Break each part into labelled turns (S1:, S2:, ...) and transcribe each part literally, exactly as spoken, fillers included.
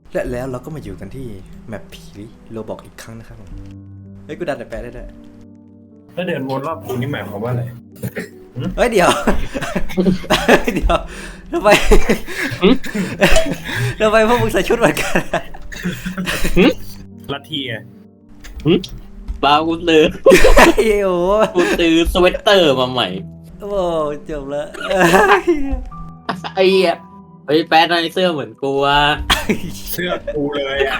S1: และแล้วเราก็มาอยู่กันที่แมปผีโรบอกอีกครั้งนะครับผมเฮ้ยกูดันแต่แปลได้ด้วย
S2: ถ้าเดินวนรอบกูนี่หมายความว่าอะไร
S1: เฮ้ยเดี๋ยว เดี๋ยวทำไมทำไมพวกมึงใส่ชุดเหมือนกัน
S2: ลัทธิอ่ะ
S3: บ้ากูซื้อ
S1: ไอ้โอ้
S3: กูซื้อสเวตเตอร์มาใหม่
S1: โอ้จบแล้ว
S3: ไอ้เหี้ยเฮ้ยแป๊ดในเสื้อเหมือนกูอ่ะ
S2: เสื้อกูเลยอ่ะ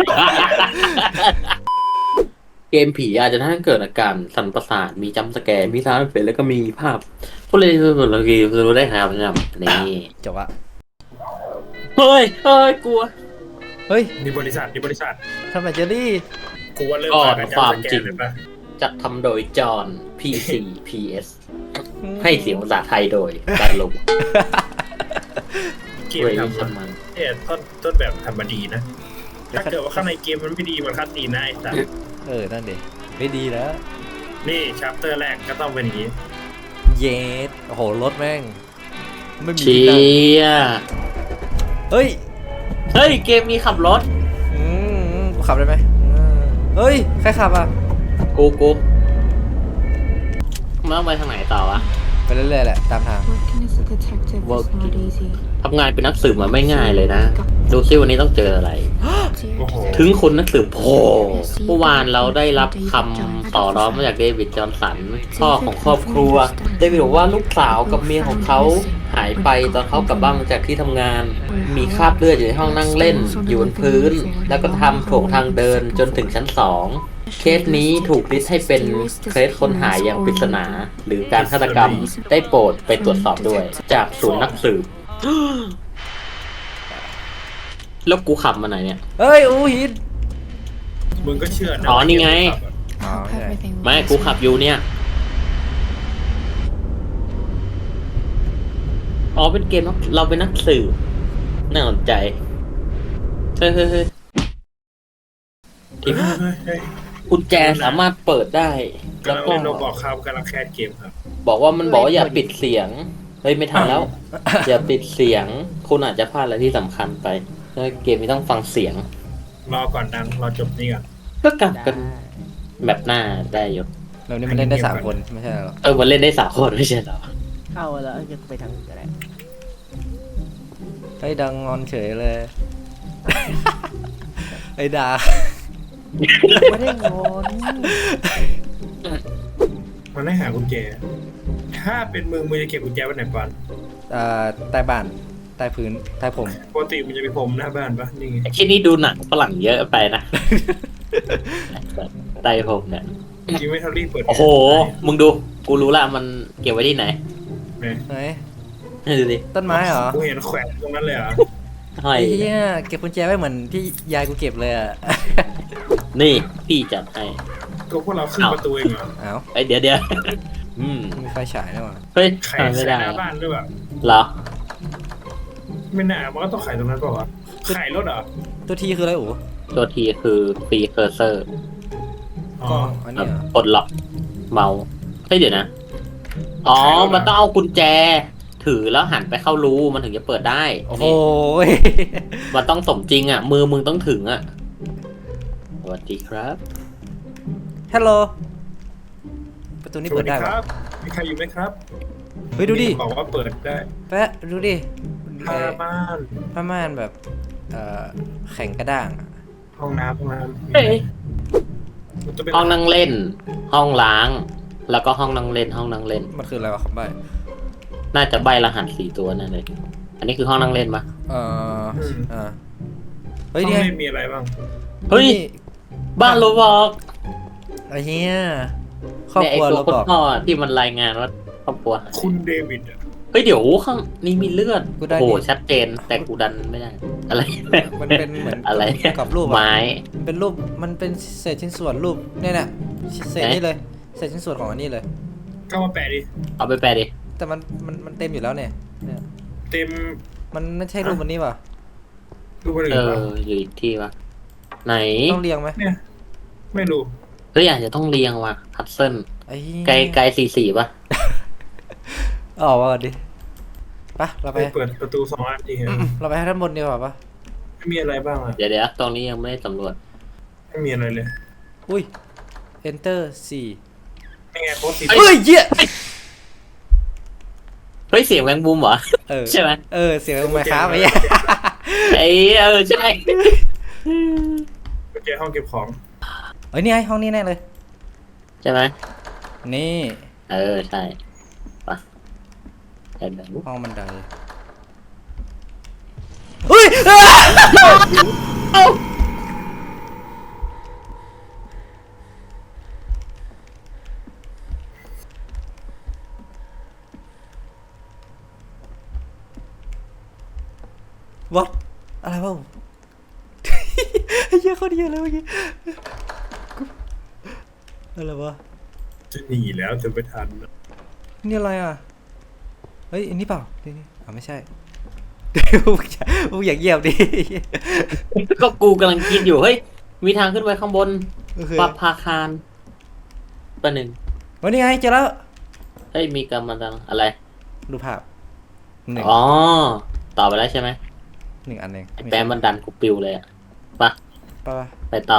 S3: เกมผีอาจจะทำให้เกิดอาการสั่นประสาทมีจัมป์สแกร์มีซาวด์เอฟเฟกต์แล้วก็มีภาพพวกเล่นเราคือรู้ได้ครับนะครับนี่
S1: จบอะ
S3: เฮ้ยเฮ้ยกลัว
S1: เฮ้ย
S2: นี่บริษัทนี่บริษัท
S1: ทำไมเจอรี่
S2: กูว่าเริ่ม
S3: ก่อน
S2: จก
S3: ความจริง
S2: เลยปะ
S3: จัดทำโดยจอห์น พี ซี พี เอส ให้เสียงภาษาไทยโดยการลง
S2: เกม
S3: เรย
S2: ทำ
S3: ชั
S2: มาน
S3: มัน
S2: เนี่ยต้นต้นแบบทำมาดีนะ ถ้าเกิดว่าข้างในเกมมันไม่ดีมันคัดตีนนะไอ้สัส
S1: เออนั่นดิไม่ดีแล้ว
S2: นี่ชัปเตอร์แรกก็ต้องเป็นอย่างนี้
S1: เยสโอ้โหรถแม่งไม่มี
S3: เชี
S1: ที่นั่ง
S3: ย
S1: เฮ้ย
S3: เฮ้ยเกมมีขับรถ
S1: อืมกูขับได้ไหมอืมเฮ้ยใครขับอ่ะ
S3: กูกูมันต้องไปทางไหนต่อวะ
S1: ไปเรื่อยๆแหละตามทาง
S4: Working as a detective is
S3: Working.
S4: not easy.
S3: ทำงานเป็นนักสืบมาไม่ง่ายเลยนะ ดูซิวันนี้ต้องเจออะไร
S4: Dear
S2: โอ้โห
S4: detective,
S3: ถึงคุณนักสืบโผเมื่อวานเราได้รับคำต่อร้องมาจากเดวิดจอห์นสันพ่อของครอบครัว เดวิดบอกว่าลูกสาวกับเมียของเขาหายไปตอนเขากลับบ้านมาจากที่ทำงาน มีคราบเลือดอยู่ในห้องนั่งเล่น อยู่บนพื้น แล้วก็ทำโถงทางเดินจนถึงชั้นสองเคสนี้ถูกลิสต์ให้เป็นเคสคนหายอย่างปริศนา หรือการฆาตกรรมได้โปรดไปตรวจสอบด้วย จากศูนย์นักสืบ แล้วกูขับมาไหนเนี่ย
S1: เฮ้ยอู้หิน
S2: มึงก็เชื่อนะ
S3: อ๋อนี่ไง
S1: อ๋อ
S4: hope
S1: ใช่
S4: everything will
S3: ไม่
S4: be
S3: กูขับ
S4: safe.
S3: อยู่เนี่ย อ๋อ เป็นเกมเนอะเราเป็นนักสืบน่าสนใจ เฮ้ยเฮ้ยเฮ้ย
S2: เฮ้ยเฮ้ยเฮ้ย
S3: กุญแจสามารถเปิดได้
S2: กำ
S3: แล้ว
S2: ลัง
S3: ก็
S2: เล่นโรบอกครับกำลังแคสเกมครับ
S3: บอกว่ามันบอกว่าอย่าปิดเสียง เฮ้ย ไม่ทันแล้ว อย่าปิดเสียง คุณอาจจะพลาดอะไรที่สำคัญไปแล้วเกมนี้ต้องฟังเสียง
S2: รอก่อนดังรอจบนี่ก่อน
S3: ก็กลับกันแบบหน้าได้อยู่
S1: แบบนี้มันเล่นได้สามคนไม่ใช่หรอ
S3: เออ มันเล่นได้สามคนไม่ใช่เหรอ
S5: เข้าแล้วยังไปทางอื่นก็ได้
S1: ไอ้ดังงอนเฉยเลย ไอ้ดา
S5: ไม่ได้งอน
S2: มันได้หากุญแจ ถ้าเป็นมึงมึงจะเก็บกุญแจไว้ไหนก่อน
S1: อ่าใต้บ้านใต้พื้นใต้ผม
S2: ปกติมันจะมีพรมหน้าบ้านปะนี่ไง
S3: ไอ้ที่นี่ดูหนังฝรั่งเยอะไปนะ ไตผมเนี่ย
S2: ยิงไม่เท่ารีบเปิด
S3: โอ้โห มึงดู กูรู้ละมันเก็บไว้ที่ไหน
S2: เนี่ย
S1: ไหน
S3: ดูดิ
S1: ต้นไม้เหรอ
S2: กูเห็นแขวนตรงนั้นเลยเหรอ
S3: ห้อย
S1: ไอ้เหี้ยเก็บกุญแจไว้เหมือนที่ยายกูเก็บเลยอ่ะ
S3: นี่พี่จัดให้
S2: ก็พวกเราขึ้นประตูเองเหรอ
S1: เอ้า
S3: ไอยเดี๋ยวเดี๋ยว อืม
S1: มีไฟฉายด้วยว่ะ
S3: เฮ้ย
S2: ไข่
S3: ทำไม่
S2: ใส่
S3: ได้
S2: หน้าบ้านด้วยแบบ
S3: เหรอ
S2: ไม่น่ามันก็ต้องไข่ตรงนั้นเปล่าวะไข่รถเหรอ
S1: ตัวทีคืออะไรอู๋
S3: ตัวทีคือฟรีเคอร์เซอร์
S2: อ๋อ
S1: ก็อันนี้เหรอ
S3: ปลดล็อกเมาส์เฮ้ยเดี๋ยวนะ อ๋อ มันต้องเอากุญแจ ถือแล้วหันไปเข้ารูมันถึงจะเปิดได้
S1: โอ้โห
S3: นี่มันต้องสมจริงอ่ะ มือมึงต้องถึงอ่ะ สวัสดีครับ
S1: ฮัลโหลประตูนี้
S2: ส
S1: เปิ
S2: วัส
S1: ด
S2: ดี
S1: ได้
S2: ค
S1: ปะ
S2: รับ มีใครอยู่ไหมครับ
S1: เฮ้ยดูดิ
S2: บอกว่าเปิดได้
S1: แปะดูดิ
S2: ผ้า
S1: เอ่อ
S2: ม่าน
S1: ผ้าม่านแบบเอ่อแข็งกระด้างอะ
S2: ห้องน้ำห้องน้ำ
S3: เฮ้ย
S2: มันจะเป็น
S3: ห้องนั่งเล่น ห้องล้าง แล้วก็ห้องนั่งเล่น ห้องนั่งเล่น
S1: มันคืออะไรวะคำใบ้
S3: น่าจะใบรหัสสี่ตัวนั่นเลย อันนี้คือห้องนั่งเล่นปะ
S1: เอ่อ
S2: อืม
S1: อ่าเฮ้
S2: ห้
S1: ย
S2: อง
S1: เนี่ย
S2: เล่นมีอะไรบ้าง
S3: เฮ้ย
S1: นี่
S3: บ้านโรบอก
S1: ไอ้เหี้ยครอบ
S3: เนี่ย
S1: ค
S3: ไอ้
S1: รัว
S3: ตัว
S1: เรา
S3: คน
S1: บอก
S3: พ่อที่มันรายงานว่าครอบครัวหาย
S2: คุณเดวิดอะ
S3: เฮ้ยเดี๋ยวข้างนี้มีเลือด
S1: กูได้
S3: โอ้โห
S1: ดิ
S3: ชัดเจน แต่กูดันไม่ได้ อะไร
S1: มันเป็นเหมือน
S3: อะไร
S1: กับรูปอะ
S3: ไม้
S1: มันเป็นรูปมันเป็นเศษชิ้นส่วนรูปเนี่ยน่ะเศษนี่เลยเศษชิ้นส่วนของอันนี้เลย
S2: เข้ามาแปะดิ
S3: เอาไปแปลดิ
S1: แต่มันมันมันเต็มอยู่แล้วเนี่ยเนี่ย
S2: เต็ม
S1: มันไม่ใช่รูปมันนี้ป่ะ
S2: รูปอะไร
S3: เอ
S2: วะ
S3: อ อยู่อีกที่วะไหน
S1: ต้องเรียงไหม
S2: เนี่ย ไม่รู้
S3: เฮ้ยอาจจะต้องเรียงว่ะฮัตเซิล
S1: ไอ้เหี้ย
S3: ไกลไกลสี่สี่ป่ะ
S1: ออกมาก่อนดิไปะเราไป
S2: ไปเปิดประตูสองอันทีฮะ
S1: เราไปให้ด้านบนดีกว่าปะ
S2: มีอะไรบ้างอ่ะ
S3: เดี๋ยวเดี๋ยวตรงนี้ยังไม่ได้สำรวจ
S2: ไม่มีอะไรเลย
S1: อุ้ย enter สี่
S2: นี่ไงโค้ดสี
S1: เฮ้ยเหี้ย
S3: เฮ้ยเสียงแมงมุมเหรอ
S1: เออ
S3: ใช่ไหม
S1: เออ เสียงไมค์ครับไอ้เหี้ย
S3: ไอ้เออใช่
S2: ไปเจอห้องเก็บของ
S1: เอ้ยนี่ไงห้องนี้แน่เลย
S3: ใช่ไหม
S1: นี่
S3: เออใช่ปะเดี๋ยวเดี๋ยว
S1: ห้องบันไดเฮ้ยอ้าวัดอะไรวะ ไอ้เหี้ยเขาดีอะไรเมื่อกี้อะไรวะ
S2: จะหนีแล้วจะไปทัน
S1: นี่อะไรอ่ะ เฮ้ยอันนี้เปล่านี่นี่อ่าไม่ใช่ พวกอย่าพวกอย่าเงียบดิ
S3: ก็กูกำลังคิดอยู่เฮ้ยมีทางขึ้นไปข้างบน
S1: โอเค
S3: ปรับพาคารประหนึ่ง
S1: วันนี้ไงเจอแล้ว
S3: เฮ้ยมีกำมันอะไร
S1: ดูภาพหนึ่ง
S3: อ๋อต่อไปแล้วใช่ไหม
S1: หนึ่งอันเอง
S3: ไอ้แป้มันดันกูปิวเลยอะปะ
S1: ป่ะ
S3: ไปต่อ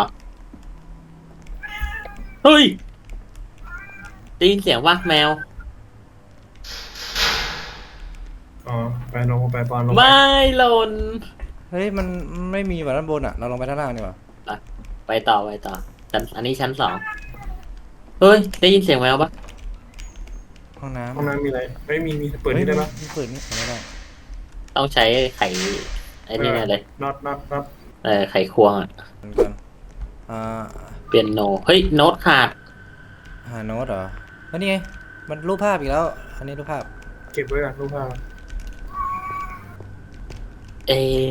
S3: เฮ้ยได้ยินเสียงว่าแมว
S2: อ๋อไปลงไปปอนลงไป
S3: ไม่หล่น
S1: เฮ้ยมันไม่มีแบบด้านบนอ่ะ เราลงไปด้านล่างดีกว่า
S3: ไปต่อไปต่อชั้นอันนี้ชั้นสองเฮ้ยได้ยินเสียงแมวปะ
S1: ห้องน้ำ
S2: ห้องน้ำมีอะไรไม่มีมีเปิดนี่ได้ปะ
S1: ฮ้ยเปิดนี่ไม่ได้
S3: ต้องใช้ไข่ไอ้นี่แน่เลย
S2: น็อตน็อตน็อต
S3: เออไข่ควงอะ
S1: เหมือนกันอ่า
S3: เปียโนเฮ้ยโน้ตขาด
S1: หาโน้ตเหรอแล้วนี่ไงมันรูปภาพอีกแล้ว อันนี้รูปภาพ
S2: เก็บไว้ก่อนรูปภาพ
S3: เอ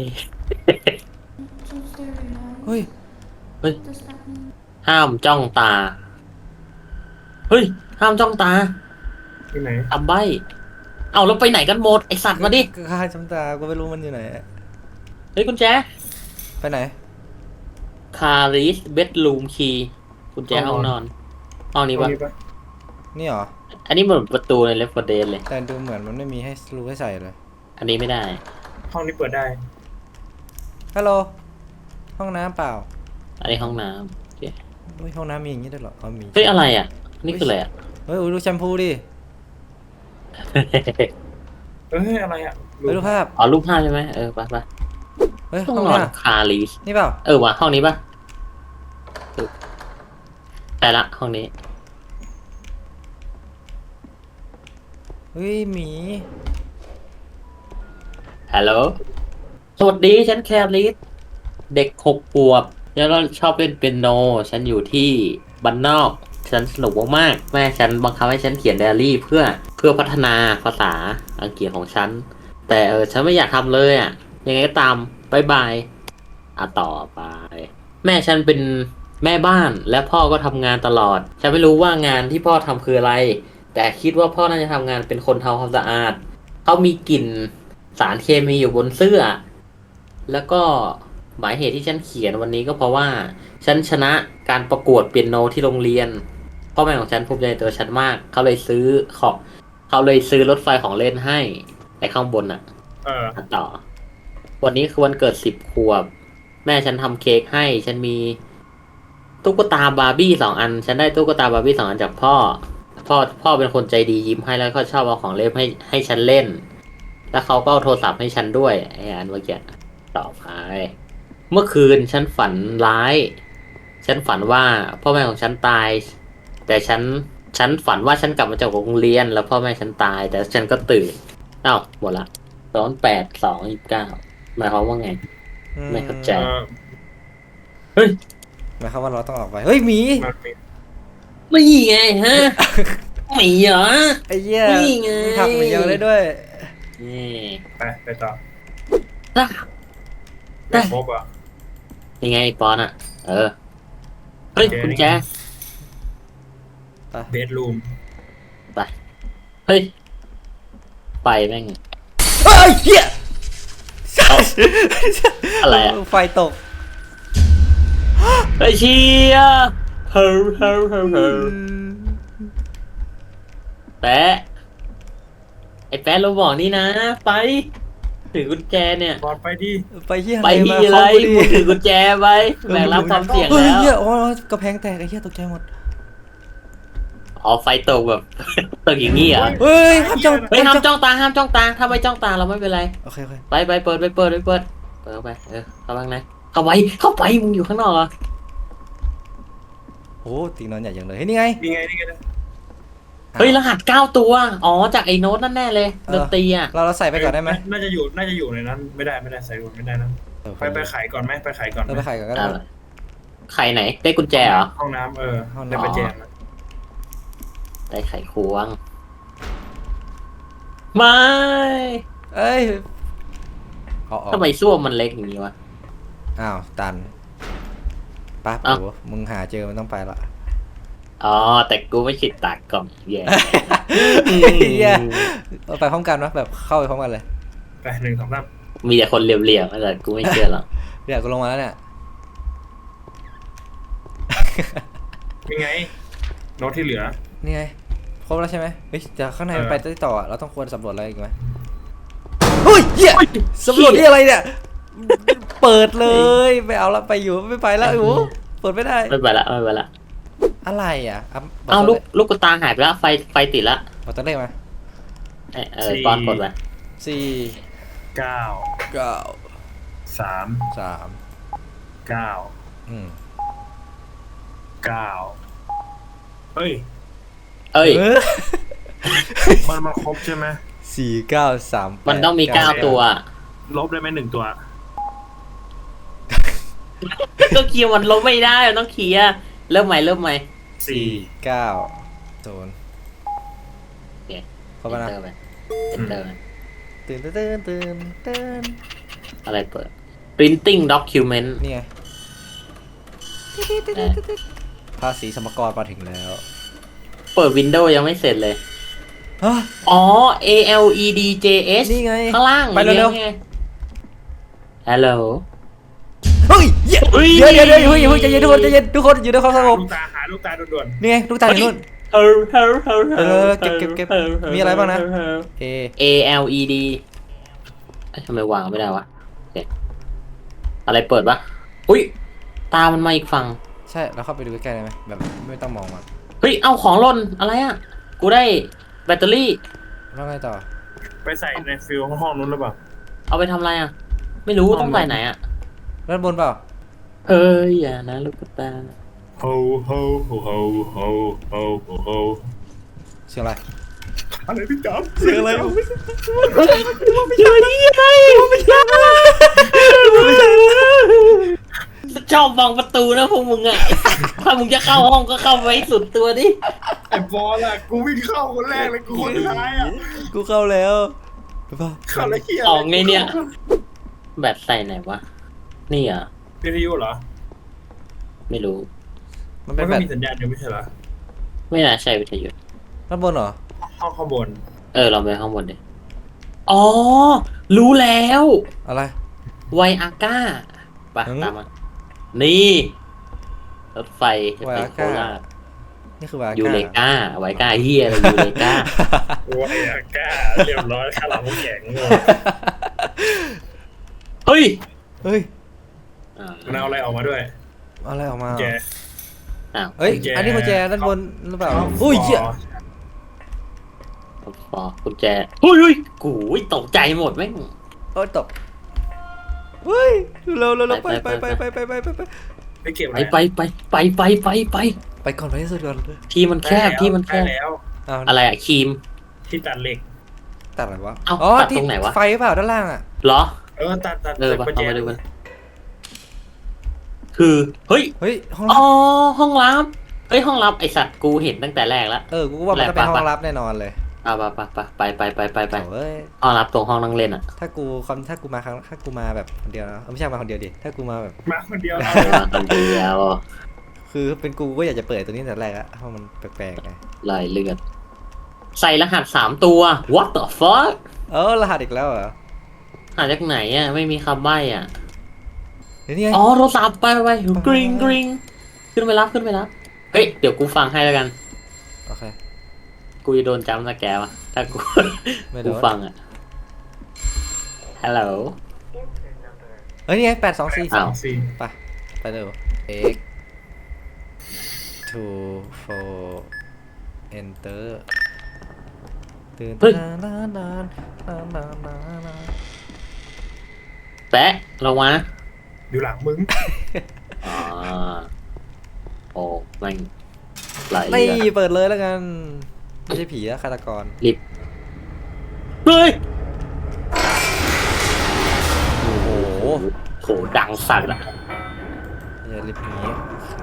S1: เฮ้ย
S3: เฮ้ยห้ามจ้องตาเฮ้ยห้ามจ้องตา
S2: ที่ไหน
S3: ทำใบเอาแล้วไปไหนกันหมดไอสัตว์มาดิ
S1: ข้าจำตากูไม่รู้มันอยู่ไหน
S3: เฮ้ยกุญแจ
S1: ไปไหน
S3: คาริสเบดรูมคีกุญแจห้องนอนห้องนี้
S2: ห้อง
S3: ปะ
S2: นี้ปะ
S1: นี่เหรอ
S3: อันนี้เหมือนประตูในเลฟเฟอร์เดนเลย
S1: แต่ดูเหมือนมันไม่มีให้รูให้ใส่เลย
S3: อันนี้ไม่ได้
S2: ห้องนี้เปิดได้
S1: ฮัลโหลห้องน้ำเปล่า
S3: อันนี้ห้องน้ำโอเค
S1: เฮ้ยห้องน้ำมีอย่างนี้ด้วยเหรออ๋อมี
S3: เฮ้ยอะไรอ่ะนี่คืออะไรอ่ะ
S1: เฮ้ยอุ๊ยดูแชมพูดิ
S2: เอ้ยอะไรอ่ะ
S1: เฮ้ยดูภาพ
S3: อ๋อรูปภาพใช่ไหมเออไปไป
S1: เฮ้ย
S3: ห้
S1: ห้
S3: อ
S1: อง ง
S3: นอน
S1: น้
S3: คาริส
S1: ำนี่เปล่า
S3: เออว่ะห้องนี้ปะเออแต่ละห้องนี้
S1: เฮ้ยหมี
S3: ฮัลโหล สวัสดีฉันแคริสเด็กหกขวบแล้วก็ชอบเล่นเปียโน ฉันอยู่ที่บ้านนอก ฉันสนุกมากๆแม่ฉันบังคับให้ฉันเขียนไดอารี่เพื่อเพื่อพัฒนาภาษาอังกฤษของฉัน แต่เออฉันไม่อยากทำเลยอ่ะ ยังไงก็ตามบายบายอ่ะต่อไป แม่ฉันเป็นแม่บ้านและพ่อก็ทำงานตลอด ฉันไม่รู้ว่างานที่พ่อทำคืออะไร แต่คิดว่าพ่อน่าจะทำงานเป็นคนทำความสะอาด เขามีกลิ่นสารเคมีอยู่บนเสื้อ แล้วก็หมายเหตุที่ฉันเขียนวันนี้ก็เพราะว่า ฉันชนะการประกวดเปียโนที่โรงเรียน พ่อแม่ของฉันภูมิใจในตัวฉันมาก เขาเลยซื้อของเขาเลยซื้อรถไฟของเล่นให้ไอ้ข้างบนอ่ะ
S2: เออ
S3: อ่ะต่อ วันนี้คือวันเกิดสิบขวบ แม่ฉันทำเค้กให้ ฉันมีตุ๊กตาบาร์บี้สองอัน ฉันได้ตุ๊กตาบาร์บี้สองอันจากพ่อ พ่อพ่อเป็นคนใจดียิ้มให้แล้วก็ชอบเอาของเล่นให้ให้ฉันเล่น แล้วเขาก็เอาโทรศัพท์ให้ฉันด้วยไอ้อันเมื่อกี้ต่อไป เมื่อคืนฉันฝันร้าย ฉันฝันว่าพ่อแม่ของฉันตาย แต่ฉันฉันฝันว่าฉันกลับมาจากโรงเรียน แล้วพ่อแม่ฉันตาย แต่ฉันก็ตื่นอ้าวหมดละสองแปดสองยี่สิบเก้าหมายความว่าไง ไม่เข้าใจ
S2: เออ
S3: เฮ้ย
S1: หมายความว่าเราต้องออกไป เฮ้ยหมี
S2: มันมี
S3: ไม่ไงฮะ ไม่เหรอ
S1: ไอ้เหี้ย
S3: นี่ไง
S1: มีผักหมีเยอะได้ด้วย
S3: นี่
S2: ไปไปต่อ
S3: ได้
S2: ไม่ครบอ่ะ
S3: ยังไงปอนอ่ะ เออ เฮ้ย
S2: โอเค
S3: คุณแจ
S2: เบดรูม
S3: ไป เฮ้ย ไปแม่ง
S1: เฮ้ยเหี้ย
S3: อะไรอะ
S1: ไฟตก
S3: ไปเชียร์เฮ้อเฮ้อเฮ้อเฮ้อแปะ ไอ้แปะเราบอกนี่นะ ไปถือกุญแจเนี่ย
S2: บอดไปดิ
S1: ไปเฮีย
S3: ไป
S1: อะไร
S3: ที่
S1: มา
S3: อะไร
S1: เข้ากูดิ
S3: มึงถือกุญแจไปแบกรับความเสี่ยง
S1: เฮ้ย
S3: แล้ว
S1: เฮียโอ้ยกระแพงแตกไอ้เฮียตกใจหมด
S3: อ๋อไฟตกแบบ ตกอย่างงี้เหรอ่ะ
S1: เฮ้ยห้ามจ้อง
S3: เฮ้ยห้ามจ้องตาห้ามจ้องตาถ้าไม่จ้องตาเราไม่เป็นไร
S1: โอเคโอเค
S3: ไปไปเปิดไปเปิดไปเปิดเปิดเข้าไปเออเข้าบ้างนะเข้าไปเข้าไปมึงอยู่ข้างนอกเหรอ
S1: โอ้ตีนอนใหญ่ยังเลยเฮ้ยนี่ไง
S2: นี่ไงนี่ไง
S3: เฮ้ยรหัสเก้าตัวอ๋อจากไอ้โน้ตนั่นแน่เลยดนตรีอ่ะ
S1: เราเราใส่ไปก่อนได้ไหม
S2: น่าจะอยู่น่าจะอยู่ในนั้นไม่ได้ไม่ได้ใส่รถไม่ได้นะไปไปขายก่อนไหมไปขายก่อนไหม
S1: เราไปขายก่อนก็ได้
S3: อ่ะใครไหนได้กุญแจเหรอ
S2: ห้องน้ำเออ
S1: ห้องน้ำ
S2: ได้ไปแจมนะ
S3: ได้ไขควงไม่
S1: เอ้ยเอาออก
S3: ทำไมส้วมมันเล็กอย่างนี้วะ
S1: อ้าวตันปั๊บ
S3: อ้าว
S1: โอ้มึงหาเจอมันต้องไปละ
S3: อ๋อแต่กูไม่ฉีดตากกล่องแย่
S1: เฮียเอาไปพร้อมกันวะแบบเข้าไปพร้อมกันเลย
S2: ไปหนึ่งสองสาม
S3: มีแต่คนเหลี่ยมๆแต่กูไม่เชื่อหรอก
S1: เดี๋ยวกูลงมาแล้วเนี่ย
S2: ยังไงโน้ตที่เหลือ
S1: นี่ไงครบแล้วใช่ไหมเฮ้ยแต่ข้างในมันไปได้ต่ออะเราต้องควรสำรวจอะไรอีกไหมเฮ้ยเฮียสำรวจที่อะไรเนี่ยเปิดเลยไม่เอาละไปอยู่ไม่ไปแล้วไอ้หมูเปิดไม่ได้
S3: ไม่ไปละไม่ไปละ
S1: อะไรอ่ะะบ
S3: เอา
S1: ตัว
S3: ลูกลูกกระตาหายไปแล้วไฟไฟติดละ
S1: บอกตัวเลขมา
S3: เออเออป้อนกดไป
S1: สี่
S2: เก้า
S1: เก้า
S2: สาม
S1: สาม
S2: เก้า
S1: อืม
S2: เก้าเฮ้ย
S3: เอ้ย
S1: เออ
S2: มันมันครบใช่ไหม
S1: สี่เก้าสามแปด
S3: มันต้องมีเก้าตัว
S2: ลบได้ไหมหนึ่งตัว
S3: ก็เคลียร์มันลบไม่ได้มันต้องเคลียร์เริ่มใหม่เริ่มใหม่
S1: สี่เก้าศูนย์
S3: โอเค
S1: เข้าไปนะ
S3: เอนเตอร์ไปเอนเตอร์
S1: ตื่นตื่นตื่นตื่น
S3: อะไรเปิด printing document
S1: นี่ไงภาษีสมกรมาถึงแล้ว
S3: เปิด Windows ยังไม่เสร็จเลย
S1: ฮะ
S3: อ๋อ A L E D J S
S1: นี่ไง
S3: ข้างล่าง
S1: ไปเร็วๆ
S3: ไง Hello
S1: เฮ้ยเดี๋ยว
S3: เฮ้ย
S1: เดี๋ยวเดี๋ยวเดี๋ยวอย่าเพิ่งใจเย็นทุกคนใจเย็นทุกคนอยู่ในความสงบ
S2: ลูกตาหาลูกตาด่วน
S1: นี่ไงลูกตาอยู่นู่น
S3: เฮ้ยเฮ้ยเฮ้ย
S1: เออเก็บเก็บเก็บมีอะไรบ้างนะ เอ
S3: A L E D เอ้ยทำไมวางไม่ได้วะโอเคอะไรเปิดปะอุ้ยตามันมาอีกฝั่ง
S1: ใช่เราเข้าไปดูใกล้ๆได้ไหมแบบไม่ต้องมองมัน
S3: เฮ้ยเอาของหล่นอะไรอ่ะกูได้แบตเตอรี่
S1: แล้วไงต่อ
S2: ๆไปใส่ในฟิลห้องนู้นหรือเปล่า
S3: เอาไปทำอะไรอ่ะ ไม่รู้ต้องใส่ไหนอ่ะ
S1: ด้านบนเปล่า
S3: เฮ้ยอย่านะลูกตา
S2: โฮโฮโฮโฮโฮโฮโฮโฮ
S1: เสียงอะไร
S2: อะไรพี่จ๊อบ
S1: เสียงอะไร
S3: เฮ้ยอะไรไม่ใช่ชอบบังประตูนะพวกมึงอ่ะ ถ้ามึงจะเข้าห้องก็เข้าไปให้สุดตัวดิ
S2: ไอ้บอลอะกูวิ่งเข้าคนแรกเลยกูคนสุดท้ายอะ
S1: กูเข้าแล้วหรือเปล่า
S2: เข้าแล้วเฮีย
S3: ออกไงเนี่ย แบตใส่ไหนวะ นี่อ่ะ
S2: วิทยุเหรอ
S3: ไม่รู้
S1: มัน
S2: มั
S1: เป็น น
S2: ก็
S1: แบบ
S2: มีสัญญาณอยู่ไม่ใช่เหรอ
S3: ไม่น่าใช่วิทยุ
S1: ด้านบนเหรอ
S2: ห้องข้างบน
S3: เออเราไปข้างบนดิ อ๋อ รู้แล้ว
S1: อะไร
S3: ไวอาก้าไป
S1: หืม
S3: ตามมา นี่รถไฟจะไป
S1: ไวอา
S3: โค
S1: ก้า
S3: ราช
S1: นี่คือวา
S3: ยู
S1: ก้า
S3: เลกาไวก้าเฮียอะไรยูเลกา
S2: โอ้ยอะก้าเรียบร้อยข้าวหลามแข็งเลย
S3: เฮ้ย
S1: เฮ้ย
S3: อ่า
S2: มันเอาอะไรออกมาด้วย
S1: เอาอะไรออกมา
S2: แก
S3: อ้าว
S1: เฮ้ย
S2: กุญแจ
S1: อันนี้กุญแจด้านบนหรือเปล่า
S2: เข้า
S1: อุ้ยเหี้ย
S3: ฟอกุญแจเฮ้ยเฮ้ยกูยตกใจหมดแม่ง
S1: โอ้ยตกเฮ้ยเร็วเร็วเร็วไป
S3: ไป
S1: ไป
S3: ไป
S1: ไปไปไปไปไป
S2: ไปเก็บอะ
S3: ไป
S2: ไร
S3: ไปไปไปไปไปไป
S1: ไปก่อนไปที่สุดก่อน
S3: ที่มันแคบที่มันแค
S2: ได้
S3: บ
S2: แล้ว
S1: อ้าว
S3: อะไรอะครีม
S2: ที่ตัดเหล็ก
S1: ตัดอะไรวะ
S3: เอ้า
S1: อ๋อ
S3: ตัด
S1: ที่
S3: ตรงไหนวะ
S1: ไฟเปล่าด้านล่างอ่ะ
S3: เหรอ
S2: เออตัดตัด
S3: เออ
S2: ตัด
S3: ไป
S2: กุญแจ
S3: เอามาดูกันคือ เฮ้ย
S1: เฮ้ยห้อง
S3: อ๋อ ห้องลับเฮ้ย ห้องลับไอสัตว์กูเห็นตั้งแต่แรกแล้ว
S1: เออกูก็ว่ามันต้องเป็น
S3: แหละ
S1: ห้
S3: ปะ
S1: องลับแน่นอนเลย
S3: อ่ะไปไปไปไปไปไปไปไป
S1: โอ้ย
S3: ห้องลับตรงห้องนั่งเล่นอ่ะ
S1: ถ้ากูคำถ้ากูมาครั้งถ้ากูมาแบบคนเดียวนะเออไม่ใช่มาคนเดียวดิถ้ากูมาแบบ
S2: มาคนเดียว
S3: เออคนเดียว
S1: คือเป็นกูก็อยากจะเปิดตัวนี้ตั้งแต่แรกอะเพราะมันแปลกๆไง
S3: ลายเลือด ใส่รหัสสามตัว what the fuck
S1: เออรหัสอีกแล้วเหรอ
S3: หาจากไหนอ่ะ ไม่มีคำใบ้อ่ะ
S1: เดี๋ยวนี่ไง
S3: อ๋อ โทรศัพท์ไปไปไปกริงกริงขึ้นไปรับขึ้นไปรับ เฮ้ย เดี๋ยวกูฟังให้แล้วกัน
S1: โอเค
S3: กูจะโดนจำสแกร์วะถ้ากู
S1: ไม่โดน
S3: กูฟังอ่ะฮัลโหล
S1: เฮ้ยนี่ไงแปดสองสี่
S3: อ้าว
S2: สี่
S1: ไปไปเร็ว x two four enter ตื่นนานนานนานนานนานนาน
S3: แปะลงมา
S2: อยู่หลังมึง
S3: อ่าโอ้แม่งหลาย
S1: ไม่
S3: เรื่อง
S1: เปิดเลยแล้วกัน ไม่ใช่ผีอะฆาตกร
S3: ลิฟต์เฮ้ย
S1: โอ้โห
S3: โหดังสัตว์อ่ะ
S1: อย่าลิฟต์หนี้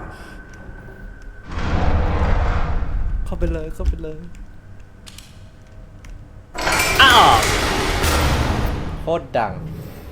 S1: เข้าไปเลยเข้าไปเลย
S3: อ้าว
S1: โคตรดัง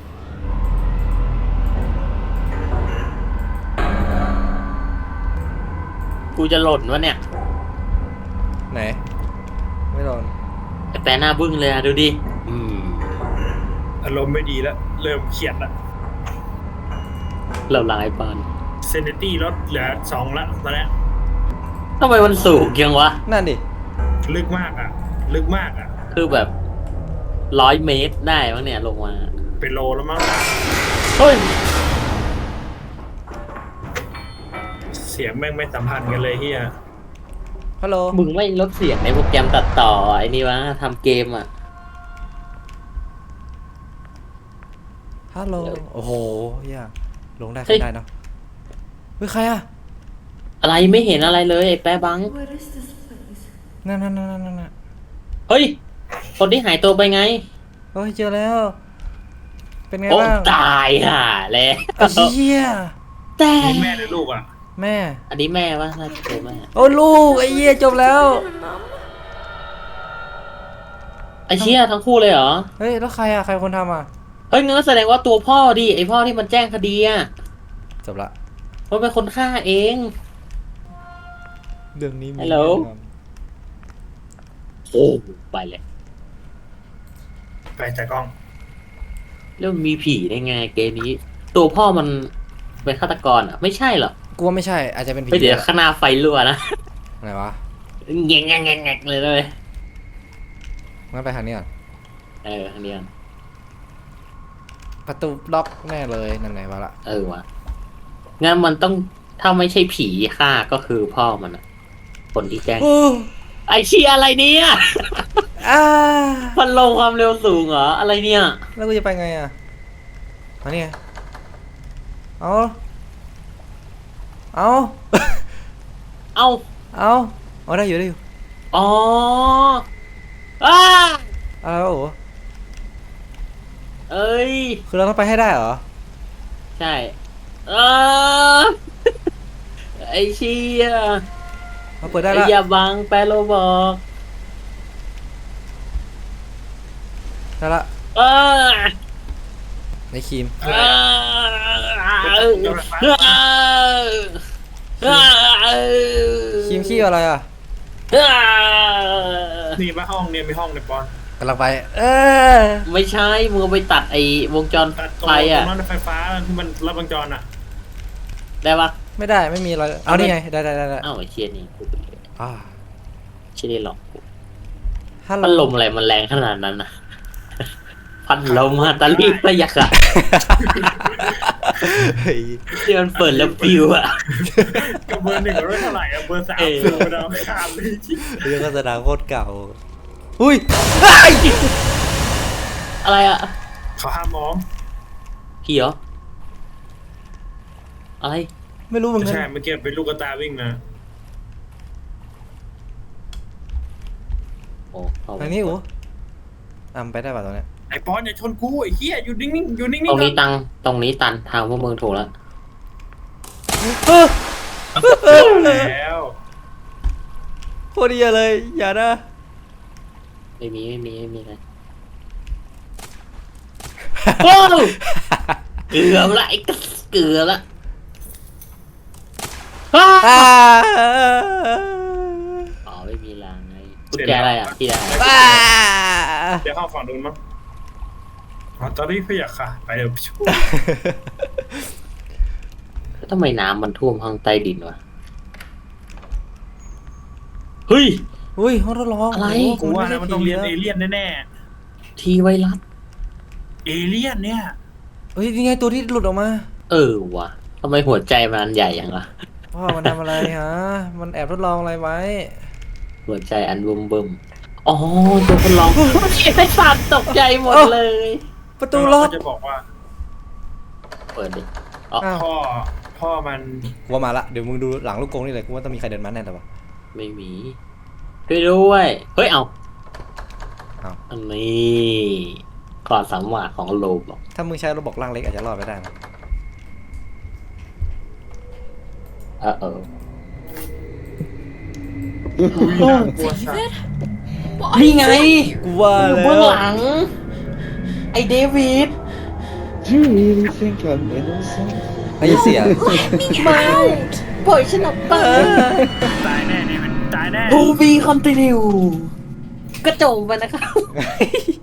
S3: กูจะหล่นวะเนี่ย
S1: ไหน ไม่โดน
S3: แต่หน้าบึ้งเลยอะดูดิอืม
S2: อารมณ์ไม่ดีแล้ว เริ่มเครียดละ
S3: เราลายปาน
S2: เซนติตี้ลดเหลือสองละตอนนี้
S3: ทำไมมันสูงยังวะ
S1: นั่นดิ
S2: ลึกมากอ่ะ ลึกมากอ่ะ
S3: คือแบบร้อยเมตรได้มั้งเนี่ยลงมา
S2: เป็นโลแล้วมั้ง
S3: เฮ้ย
S2: เสียงแม่งไม่สัมพันธ์กันเลยเฮีย
S1: ฮัลโหล
S3: มึงไม่ลดเสียงในโปรแกรมตัดต่อไอ้นี่วะทำเกมอ่ะ
S1: ฮัลโหล โอ้โหเฮียลงได้
S3: เฮ้
S1: ขึ้
S3: ย
S1: นได้เนาะเฮ้ยใครอะ
S3: อะไรไม่เห็นอะไรเลยไอ้แป๊บัง
S1: นั่นนั่นนั่นนั่นนั่น
S3: เฮ้ย คนที่หายตัวไปไง
S1: เฮ้ยเจอแล้ว เป็นไง
S3: โอ้
S1: บ้าง
S3: ตายห่าแล้ว
S1: ไอ้เหี้ย
S3: แต่
S2: นี่แม่หรือลูกอ่ะ
S1: แม่
S3: อันนี้แม่วะน่าจะเจอแม่
S1: โอ้ลูกไอ้เหี้ยจบแล้ว
S3: ไอ้เชี่ยทั้งคู่เลยเหรอ
S1: เฮ้ยแล้วใครอะใครคนทำอะ
S3: เฮ้ยงั้นก็แสดงว่าตัวพ่อดิไอ้พ่อที่มันแจ้งคดีอ่ะ
S1: จบละ
S3: มันเป็นคนฆ่าเอง
S1: เรื่องนี้มี
S3: ฮัลโหล
S1: แน่นอน
S3: โอ้ไปเลย
S2: ไปจากกล้อง
S3: แล้วมันมีผีได้ไงเกมนี้ ตัวพ่อมันเป็นฆาตกรอ่ะ ไม่ใช่หรอก
S1: กูว่าไม่ใช่อาจจะเป็นผี
S3: ไม่เดี๋ยว
S1: แหละ
S3: ข้างหน้าไฟรั่วนะ
S1: ไหนวะ
S3: แงงแงงแงงแงงเลยเลย
S1: งั้นไปทางนี้ก่อน
S3: เออทางนี้กัน
S1: ประตูล็อกแน่เลยนั่นไหนวะละ
S3: เออวะงั้นมันต้องถ้าไม่ใช่ผีฆ่าก็คือพ่อมันอะคนที่แจ้ง
S1: โอ้
S3: ไอเชียอะไรเนี่ย
S1: อ่า
S3: พันลงความเร็วสูงเหรออะไรเนี่ย
S1: แล้วกูจะไปไงอะมานี่ไงเอาเอา
S3: เอ้า
S1: เอาเอาได้อยู่ได้อยู่
S3: อ๋ออ้า
S1: อะไรวะโอ้
S3: เอ้ย
S1: คือเราต้องไปให้ได้เหรอ
S3: ใช่เออไอเชีย
S1: เราเปิดได้
S3: ไอ
S1: ละ
S3: อย่าบังแปลโลบอก
S1: ได้ละ
S3: เออ
S1: ในครีม
S3: เออเออ
S1: ครีมขี้อะไรอะ
S2: นี่มาห้องเนี่ยมีห้องในปอน
S1: กำลังไป เออ
S3: ไม่ใช่มึงเอาไปตัดไอ้วงจร
S2: ตัดตรง
S3: ไฟ
S2: ตร
S3: อ่ะ
S2: งนั้นไฟฟ้าที่มันรับวงจรอ่ะ
S3: ได้ปะ
S1: ไม่ได้ไม่มีอะไรเอานี่ไงได้ได้ได้ได้
S3: อ้าวไอ้เชียนี่กูไปเลย
S1: อ่า
S3: เชียนี่หรอก
S1: ฮัลโหล
S3: พัดลมอะไรมันแรงขนาดนั้นนะพัดลมฮะตาลีประหยักอะ
S1: เฮ้ย
S3: ที่มันเปิดแล้วปิวอะ
S2: กับเบอร์หนึ่งก็ไม่เท่าไหร่อะเบอร์สาม
S3: เออ
S2: สูงไปแล้วข้ามเลยจริง
S1: เรื่องโฆษณาโคตรเก่าอุ้ย
S3: อะไรอะ
S2: เขาห้ามมอง
S3: ผีเหรออะไร
S1: ไม่รู้เหมือน
S2: ไม่
S1: กัน
S2: ใช่เมื่อกี้เป็นลูกกระตาวิ่งมา
S3: โอ้เข้า
S1: ทางนี้อู๋อ่ะมันไปได้ป่ะตรงเนี้ย
S2: ไอ้ปอนอย่าชนกูไอ้เหี้ยอยู่นิ่งๆอยู่นิ่งๆ
S3: ตรงนี้
S2: ก่อ
S3: ตังตรงนี้ตันทางพวกมึงถูกแล้ว
S1: เออ
S2: แล้ว
S1: โคตรดีเลย อย่านะ
S3: ไม่มีไม่มีไม่มีเลยโอ้เกือบละไอ้กระเกือบละอ้า
S1: อ่า
S3: อ๋อไม่มีรางไงกุญแจอะไรอ่ะที่ได้
S1: อ่า
S2: เดี๋ยวเข้าฝั่งนู้นมั้งอ๋อตอนนี้พี่อยากค่ะ ไปเดี๋ยว
S3: ทำไมน้ำมันท่วมห้องใต้ดินวะเฮ้ย
S1: อุ้ยห้องทดลอง
S3: อะไร
S1: โโห
S2: กูว่านะมันต้องเรียน
S1: ไใช่
S2: เอ
S1: ผีะ
S2: เลี่ยนแน่
S3: ทีไวรัส
S2: เอเลี่ยนเนี่ย
S1: เฮ้ยนี่ไงตัวที่หลุดออกมา
S3: เออว่ะทำไมหัวใจมันอันใหญ่อย่างล่ะ
S1: พ่อมันทำอะไรฮะมันแอบทดลองอะไรไว้
S3: หัวใจอันบึมบึมอ๋อตัวคนร้องไอ้สัตว์ตกใจหมดเลย
S1: ประตูล็อก
S2: จะบอกว่า
S3: เปิดดิอ๋อ
S1: อ้าว
S2: พ่อพ่อมัน
S1: กูว่ามาละเดี๋ยวมึงดูหลังลูกกรงนี่เลยกูว่าต้องมีใครเดินมาแน่แต่ว่า
S3: ไม่มีช่วยด้วยเฮ้ยเอา
S1: เอา
S3: อันนี้กอดสามหวาของโลบบอก
S1: ถ้ามึงใช้ระบบร่างเล็กอาจจะรอดไปได้นะ
S3: เออเออ
S2: น่ากลัวสัส
S3: นี่ไง
S1: กูว่า
S3: อยู่
S1: แล้
S3: เบื้อง
S1: ว
S3: หลัง ไอเดวิด
S4: Do you really think I'm innocent?
S1: ไอ้เสีย
S3: มาปล่อยฉันออกไป
S2: ตายแน่เนี่ยมันตายแน่
S3: ทูบีคอนติเนียกระโจมไปนะครับ